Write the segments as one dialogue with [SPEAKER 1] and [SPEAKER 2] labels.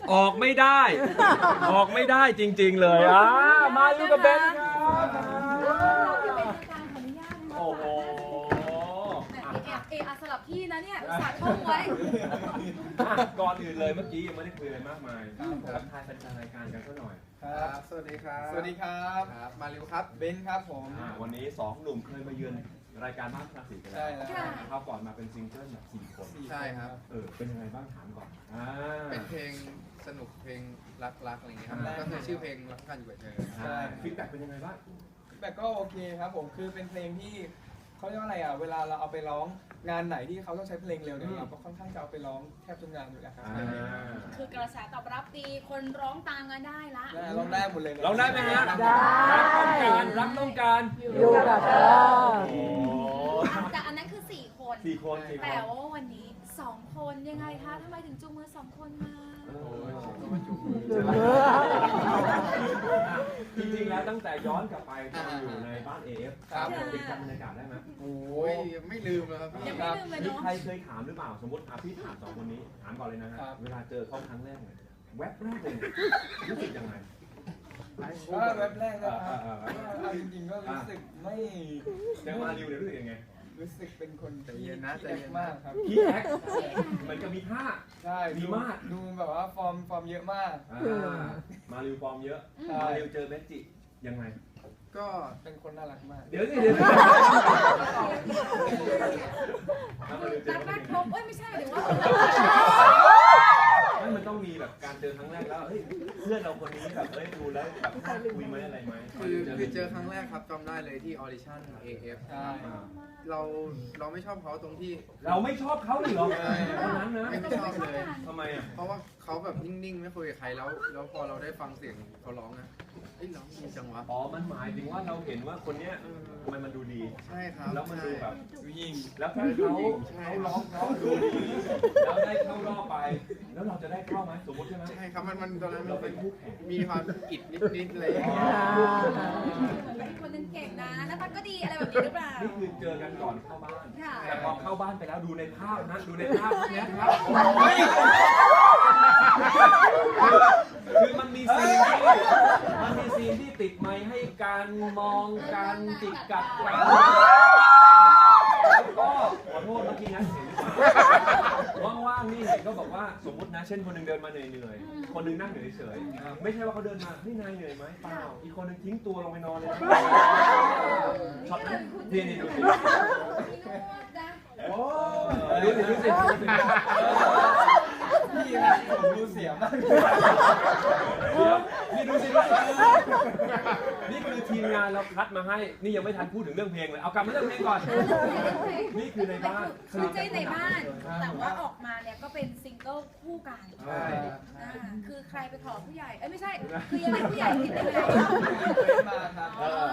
[SPEAKER 1] ออกไม่ได้ ออกไม่ได้จริงๆเลยมาอยู่กับเบนครับโอ้โห
[SPEAKER 2] สลับที่นะเนี่ยอุตส่าห์ท่องไว้
[SPEAKER 1] ก่อนอื่นเลยเมื่อกี้ยังไม่ได้คุยอะไรมากมายทักทายแฟนๆรายการกันสักหน่อย
[SPEAKER 3] ครับสวัสดีครับ
[SPEAKER 4] สวัสดีครับ
[SPEAKER 3] มาริวครับ
[SPEAKER 4] เบนครับผม
[SPEAKER 1] วันนี้2หนุ่มเคยมาเยือนรายการบ้านคลาสสิกกันแล้วคราวก่อนมาเป็นซิงเกิลแบบ4 คน
[SPEAKER 3] ใช่ครับ
[SPEAKER 1] เป็นยังไงบ้างถามก่อน
[SPEAKER 3] เป็นเพลงสนุกเพลงรักอะไรอย่างเงี้ยครับก็คือชื่อเพลงรักกันอยู่กับเธอ
[SPEAKER 1] ใช่ฟีดแบ็กเป็นยังไงบ้าง
[SPEAKER 4] ฟีดแบ็กก็โอเคครับผมคือเป็นเพลงที่เขาเรียกว่าอะไรเวลาเราเอาไปร้องงานไหนที่เขาต้องใช้เพลงเร็วเนี่ยเราก็ค่อนข้างจะเอาไปร้องแทบทุกงานอยู่แล้วครับ
[SPEAKER 2] คือกระแสตอบรับดีคนร้องตามกันได้ละ
[SPEAKER 4] ร้องได้หมดเลย
[SPEAKER 1] ร้องได้ไหมฮะได้รักต้องการ
[SPEAKER 5] อยู่กับเธอ
[SPEAKER 2] แต่อันนั้นคือ4 คนแต่ว่าวันนี้2 คนยังไงคะทำไมถึงจูงมือ2 คนมา
[SPEAKER 1] จริงๆแล้วตั้งแต่ย้อนกลับไปตอนอยู่ในบ้านAFยังจำบรรยากาศได้ไหม
[SPEAKER 3] โอ้ยไม่ลืมเลยครับ
[SPEAKER 2] ยังไม่ลืมเลยเนาะ
[SPEAKER 1] ใครเคยถามหรือเปล่าสมมติพี่ถาม2 คนนี้ถามก่อนเลยนะฮะเวลาเจอเขาครั้งแรกแวบแรกเลยรู้สึกยังไง
[SPEAKER 4] แวบแรกนะครับจริงๆก็รู้สึกไม่
[SPEAKER 1] เจอมาริวเนี่ยรู้สึกยังไง
[SPEAKER 4] รู้สึกเป็นคนที่
[SPEAKER 3] เย็นนะใจเย็น
[SPEAKER 4] มากครับ
[SPEAKER 1] พี่แอ๊กมันจะมีท่า
[SPEAKER 4] ใช่
[SPEAKER 1] มีมาก
[SPEAKER 4] ดูแบบว่าฟอร์มเยอะมาก
[SPEAKER 1] มาริวฟอร์มเยอะมาริวเจอเมจิยังไง
[SPEAKER 4] ก็เป็นคนน่ารักมาก
[SPEAKER 1] เดี๋ยว
[SPEAKER 2] รักครบไม่ใช่หรือว่า
[SPEAKER 1] มันต้องมีแบบการเจอครั้งแรกแล้วเฮ้ยเพื่อนเราคนนี้แบบดูแล้วแบบคุยไหมอะไรไหม
[SPEAKER 3] คือเจอครั้งแรกครับจำได้เลยที่ออดิชั่น AF เราไม่ชอบเขาตรงที่
[SPEAKER 1] เราไม่ชอบเขาเลยเหรอตอนนั้นนะ
[SPEAKER 3] ไม่ชอบเลย
[SPEAKER 1] ทำไมอ่ะ
[SPEAKER 3] เพราะว่าเขาแบบนิ่งๆไม่คุยกับใครแล้วพอเราได้ฟังเสียงเขาร้องนะร้องดีจังวะ
[SPEAKER 1] มันหมายถึงว่าเราเห็นว่าคนเนี้ยทำไมมันดูดี
[SPEAKER 3] ใช่ครับ
[SPEAKER 1] แล้วมันดูแบบ
[SPEAKER 4] ดูยิ่ง
[SPEAKER 1] แล้วถ้าเขาร้องเขาดูดีแล้วได้เข้ารอบไปแล้วเราจะได้เข้าไหมสมมติใช่ไหม
[SPEAKER 3] ใช่ครับมันตอนนั้นเราเป็นมีความอิดนิดๆอะไรอย่างเงี้ย
[SPEAKER 2] เป็นคนนึงเก่งนะหน้าตาก็ดีอะไรแบบนี้หรือเปล่า
[SPEAKER 1] นี่คือเจอกันก่อนเข้าบ้านแต่พอเข้าบ้านไปแล้วดูในภาพนะดูในภาพนี้ครับคือมันมีซีนที่ติดไมค์ให้การมองการจิกกัดกันแล้วก็ขอโทษเมื่อกี้นะว่างๆนี่เห็นก็บอกว่าสมมตินะเช่นคนนึงเดินมาเหนื่อยๆคนนึงนั่งอยู่เฉยๆไม่ใช่ว่าเขาเดินมาพี่นายเหนื่อยไหมเปล่าอีกคนนึงทิ้งตัวลงไปนอนเลยช็อตนั้นนี่ดูสิโอ้ดูสิ
[SPEAKER 4] พี่นะผมดูเสียมาก
[SPEAKER 1] นี่ดูสินี่คือทีมงานเราคัดมาให้นี่ยังไม่ทันพูดถึงเรื่องเพลงเลยเอากลับมาเรื่องเพลงก่อนนี่คือในบ้าน
[SPEAKER 2] คือใจในบ้านแต่ว่าออกมาเนี่ยก็เป็นซิงเกิลคู่กันคือใครไปขอผู้ใหญ่ไม่ใช่คือยังไงผู้ใหญ่คิดยังไง
[SPEAKER 4] มาครับ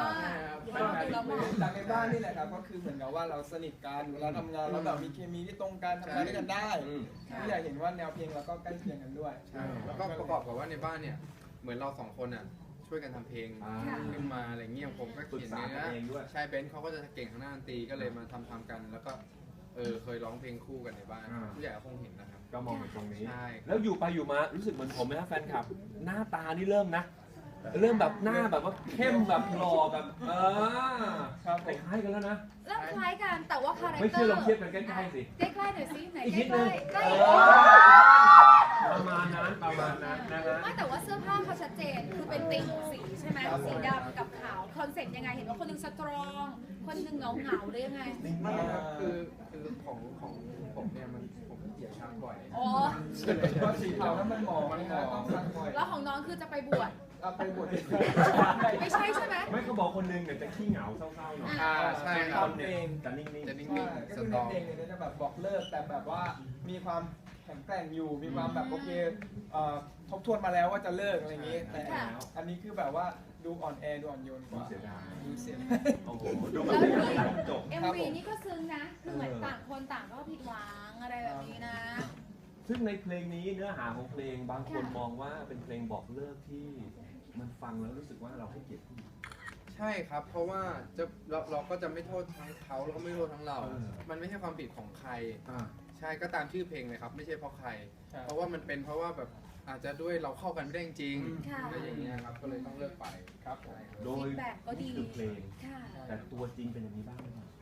[SPEAKER 4] จากในบ้านนี่แหละครับก็คือเหมือนกับว่าเราสนิทกันเวลาทำงานเราแบบมีเคมีที่ตรงกันทำงานด้วยกันได้ผู้ใหญ่เห็นว่าแนวเพลงเราก็ใกล้เคียงกันด้วย
[SPEAKER 3] แล้วก็ประกอบกับว่าในบ้านเนี่ยเหมือนเรา2 คนอ่ะช่วยกันทำเพลงขึ้นมาอะไรเงี้ยผมก็เขียนเนื้อใช่เบนซ์เขาก็จะเก่งทางด้านดนตรีก็เลยมาทำกันแล้วก็เคยร้องเพลงคู่กันในบ้านผู้ใหญ่คงเห็นนะครับ
[SPEAKER 1] ก็มองตรงนี้แล้วอยู่ไปอยู่มารู้สึกเหมือนผมไหมครับแฟนคลับหน้าตานี่เริ่มแบบหน้าแบบว่าเข้มแบบหล่อแบบคล้ายกันแล้วนะ
[SPEAKER 2] เริ่มคล้ายกันแต่ว่าคาแรคเตอร์
[SPEAKER 1] ไม่เชื่อลองเทียบกันใกล้ๆสิ
[SPEAKER 2] ใกล้ๆหน่อยสิไหนใกล้
[SPEAKER 1] ประมาณนั้นนะฮะ
[SPEAKER 2] ไม่แต่ว่าเสื้อผ้าเขาชัดเจนคือเป็นติ่งสีใช่ไหมสีดำกับขาวคอนเซ็ปต์ยังไงเห็นว่าคนนึงสตรองคนนึงเหงาหรือยังไง
[SPEAKER 3] ไม่ครับคือของผมเนี่ยผมเกลียดช้างบ่อย
[SPEAKER 2] อ๋อ
[SPEAKER 4] เพราะสีขาวนั้นมันหมองต้องซักบ่อย
[SPEAKER 2] แล้วของน้องคือจะไปบวช
[SPEAKER 4] ไปบวช
[SPEAKER 2] ไม่ใช่ไหม
[SPEAKER 1] ไม่เขาบอกคนนึงเนี่ยจะขี้เหงาเศร้าๆหน่อย
[SPEAKER 3] ใช่
[SPEAKER 1] คนเองจะนิ่ง
[SPEAKER 4] ๆก็คือเพลงเนี่ยจะแบบบอกเลิกแต่แบบว่ามีความแข็งแกร่งอยู่มีความแบบโอเคทบทวนมาแล้วว่าจะเลิกอะไรอย่างนี้แต่อันนี้คือแบบว่าดูอ่อนแอดูอ่อนโยนกว่าดูเสีย
[SPEAKER 1] โอ้โหดูแบบไม่ได้จบ
[SPEAKER 2] MV นี่ก็ซึ้งนะคือเหมือนต่างคนต่างก็ผิดหวังอะไรแบบนี้นะ
[SPEAKER 1] ซึ่งในเพลงนี้เนื้อหาของเพลงบางคนมองว่าเป็นเพลงบอกเลิกที่มันฟังแล้วรู้สึกว่าเราให้เกียรติผู้หญิง
[SPEAKER 3] ใช่ครับเพราะว่าเราก็จะไม่โทษทั้งเขาแล้วก็ไม่โทษทั้งเรามันไม่ใช่ความผิดของใครใช่ก็ตามชื่อเพลงเลยครับไม่ใช่เพราะใครเพราะว่ามันเป็นเพราะว่าแบบอาจจะด้วยเราเข้ากันไม่ได้จริง
[SPEAKER 2] ค่ะ
[SPEAKER 3] อะไรอย่างเงี้ยครับก็เลยต้องเลิกไปครับผม
[SPEAKER 1] โดย
[SPEAKER 2] ฟีดแบ็กก็ดี
[SPEAKER 1] นี่คือเพลง
[SPEAKER 2] ค่ะ
[SPEAKER 1] แต่ตัวจริงเป็นอย่างนี้บ้างไหมครับ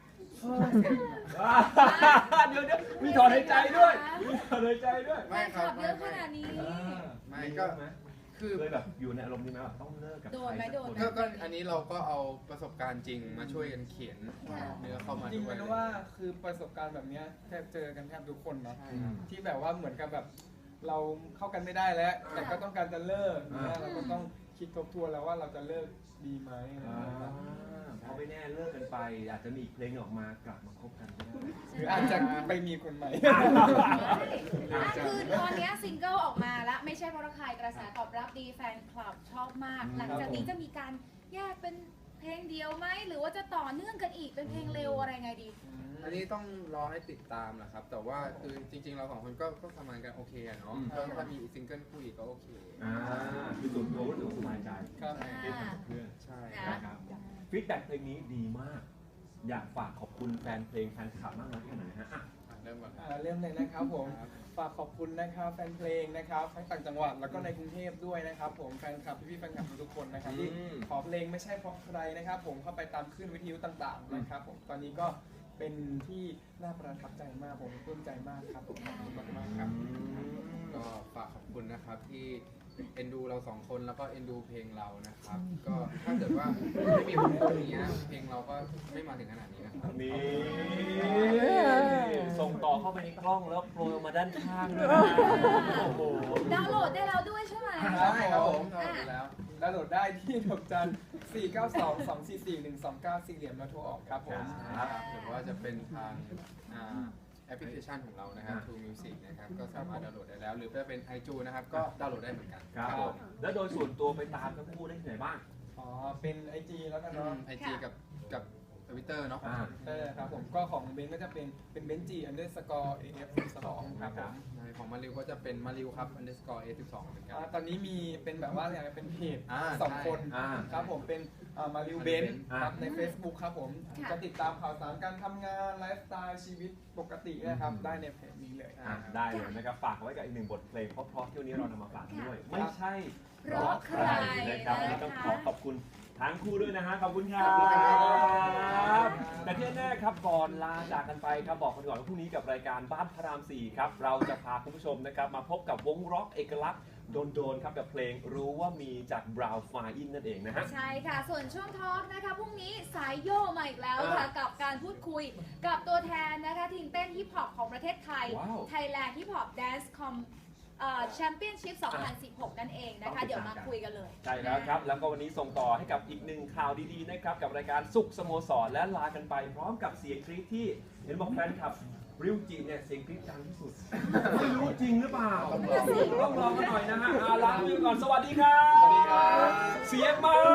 [SPEAKER 1] เดี๋ยวมีถอนหายใจด้วยมีถอนหายใจด้วย
[SPEAKER 2] แฟนคลับเยอะขนาดนี้
[SPEAKER 3] ไม่ก็คือ
[SPEAKER 1] เลยแบบอยู่ในอารมณ์นี้ไหมแบบต้องเลิกกับ
[SPEAKER 2] โดนไหม
[SPEAKER 1] ใครสัก
[SPEAKER 2] โดน
[SPEAKER 1] คน
[SPEAKER 2] ไหม
[SPEAKER 3] ก็อันนี้เราก็เอาประสบการณ์จริงมาช่วยกันเขียนเนื้อเข้ามา
[SPEAKER 4] จริง
[SPEAKER 3] ด้วย
[SPEAKER 4] ๆว่าคือประสบการณ์แบบเนี้ยแทบเจอกันแทบทุกคนเนาะ
[SPEAKER 3] ใช่ครับ
[SPEAKER 4] ที่แบบว่าเหมือนกับแบบเราเข้ากันไม่ได้แล้ว แต่ก็ต้องการจะเลิกเนี่ยเราก็ต้องคิดทบทวนแล้วว่าเราจะเลิกดีไหมอะไรอย่างเงี้ยครับ
[SPEAKER 1] เพราะไม่แน่เลิกกันไป อาจจะมีอีกเพลงออกมากลับมาคบกันก็ได้
[SPEAKER 4] หรืออาจจะไปมีคนใหม่
[SPEAKER 2] คือตอนเนี้ยซิงเกิลออกมาแล้วไม่ใช่เพราะใครกระแสตอบรับดีแฟนคลับชอบมาก หลังจากนี้จะมีการแยกเป็นเพลงเดียวไหมหรือว่าจะต่อเนื่องกันอีกเป็นเพลงเร็วอะไรไงดี
[SPEAKER 3] อันนี้ต้องรอให้ติดตามแหละครับ แต่ว่าคือจริงๆเราสองคนก็ทำงานกันโอเคอะเนาะก็ถ้ามีซิงเกิลคู่อีกก็โอเค
[SPEAKER 1] คือส่วนตัวรู้สึกสบายใจ
[SPEAKER 4] ครับ
[SPEAKER 1] ได้ทำกับเพื่อน
[SPEAKER 3] ใช่
[SPEAKER 1] นะครับฟีดแบ็กเพลงนี้ดีมาก อยากฝากขอบคุณแฟนเพลงแฟนคลับมากน้อยแค่ไหนฮะ
[SPEAKER 3] เริ่มก่อนครับ
[SPEAKER 4] เริ่มเลยนะครับผม
[SPEAKER 3] ครับ
[SPEAKER 4] ฝากขอบคุณนะครับแฟนเพลงนะครับทั้งต่างจังหวัดแล้วก็ในกรุงเทพด้วยนะครับผมแฟนคลับพี่ๆแฟนคลับทุกๆคนนะครับที่ขอเพลงไม่ใช่เพราะใครนะครับผมเข้าไปตามคลื่นวิทยุต่างๆนะครับผมตอนนี้ก็เป็นที่น่าประทับใจมากผมปลื้มใจมากครับผมขอบคุณมากๆครับ
[SPEAKER 3] ก็ฝากขอบคุณนะครับที่เอ็นดูเราสองคนแล้วก็เอ็นดูเพลงเรานะครับ ก็ถ้าเกิดว่าไม่มีคนอย่างเงี้ยเพลงเราก็ไม่มาถึงขนาดนี้นะครับ
[SPEAKER 1] นี่ส่งต่อเข้าไปในกล้องแล้วโปรยมาด้านข้างด้วยนะโอ้โห
[SPEAKER 2] ดาวน์โหลดได้แล้วด้วยใช่ไหม
[SPEAKER 4] ได้ครับผม
[SPEAKER 3] เราดูแล้ว
[SPEAKER 4] ดาวน์โหลดได้ที่ดอกจัน 492-244-129 สี่เหลี่ยมแล้วโทรออกครับผม
[SPEAKER 1] ครับ
[SPEAKER 3] หรือว่าจะเป็นทางแอปพลิเคชันของเรานะครับ True Music นะครับ ก็สามารถดาวน์โหลดได้แล้ว หรือจะเป็น iTunes นะครับ ก็ดาวน์โหลดได้เหมือนกัน
[SPEAKER 1] ครับผม แล้วโดยส่วนตัวไปตามทั้งคู่ได้ที่ไหนบ้าง
[SPEAKER 4] อ๋อ เป็น IG แล้วกันเนาะ
[SPEAKER 3] IG กับทวิตเตอร์เนาะ
[SPEAKER 4] ครับผมก็ของเบนก็จะเป็นเบนจี underscore af 2ครับผม
[SPEAKER 3] ของมาริวก็จะเป็นมาริวครับ underscore a12 เหมือนกัน
[SPEAKER 4] ตอนนี้มีเป็นแบบว่าอะไรเป็นเพจ
[SPEAKER 3] อ่า
[SPEAKER 4] สองคน
[SPEAKER 1] ใช่
[SPEAKER 4] ครับผมเป็นมาริวเบน
[SPEAKER 1] อ่า
[SPEAKER 4] ครับใน Facebook ครับผม
[SPEAKER 2] ค่ะ
[SPEAKER 4] จะติดตามข่าวสารการทำงานไลฟ์สไตล์ชีวิตปกตินะครับ ได้ในเพจนี้เลย
[SPEAKER 1] ได้เลยนะครับฝากไว้กับอีกหนึ่งบทเพลงเพราะๆที่วันนี้เรานำมาฝากด้วย ไม่ใช่
[SPEAKER 2] เพราะใคร
[SPEAKER 1] นะครับวันนี้ต้องขอขอบคุณทั้งคู่ด้วยนะฮะขอบคุณครั
[SPEAKER 2] ขอบคุณครับ บ
[SPEAKER 1] แต่ที่แน่ๆครับก่อนลาจากกันไปครับบอกกันก่อนว่าพรุ่งนี้กับรายการบ้านพระราม 4 ครับเราจะพาคุณผู้ชมนะครับมาพบกับวงร็อกเอกลักษณ์โดนๆครับกับเพลงรู้ว่ามีจาก Brown Fine นั่นเองนะฮะ
[SPEAKER 2] ใช่ค่ะ ส่วนช่วงทอล์กนะคะพรุ่งนี้สายโยมาอีกแล้วค่ะ กับการพูดคุยกับตัวแทนนะคะทีมเต้นฮิปฮอปของประเทศไทย
[SPEAKER 1] ว้าว
[SPEAKER 2] Thailand Hip Hop Dance Championship 2016 นั่นเองนะคะ เดี๋ยวมาคุยกันเลย
[SPEAKER 1] ใช่แล้วครับ แล้วก็วันนี้ส่งต่อให้กับอีกหนึ่งข่าวดีๆนะครับกับรายการสุขสโมสรและลากันไปพร้อมกับเสียงกรี๊ดที่เห็นบอกแฟนคลับริวจิเนี่ยเสียงกรี๊ดดังที่สุดไม่รู้จริงหรือเปล่าต้องลองกันหน่อยนะฮะลาไปก่อนสวัสดีครับ
[SPEAKER 4] สวัสดีครับ
[SPEAKER 1] เสียงมา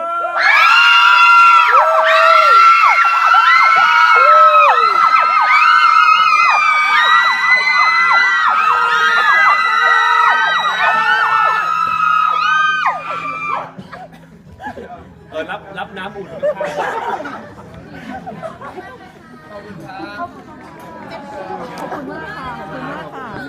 [SPEAKER 1] รับน้ำอุ่นข้างๆ
[SPEAKER 4] ขอบคุณครับ
[SPEAKER 5] ขอบคุณมากค่ะ ขอบคุณมากค่ะ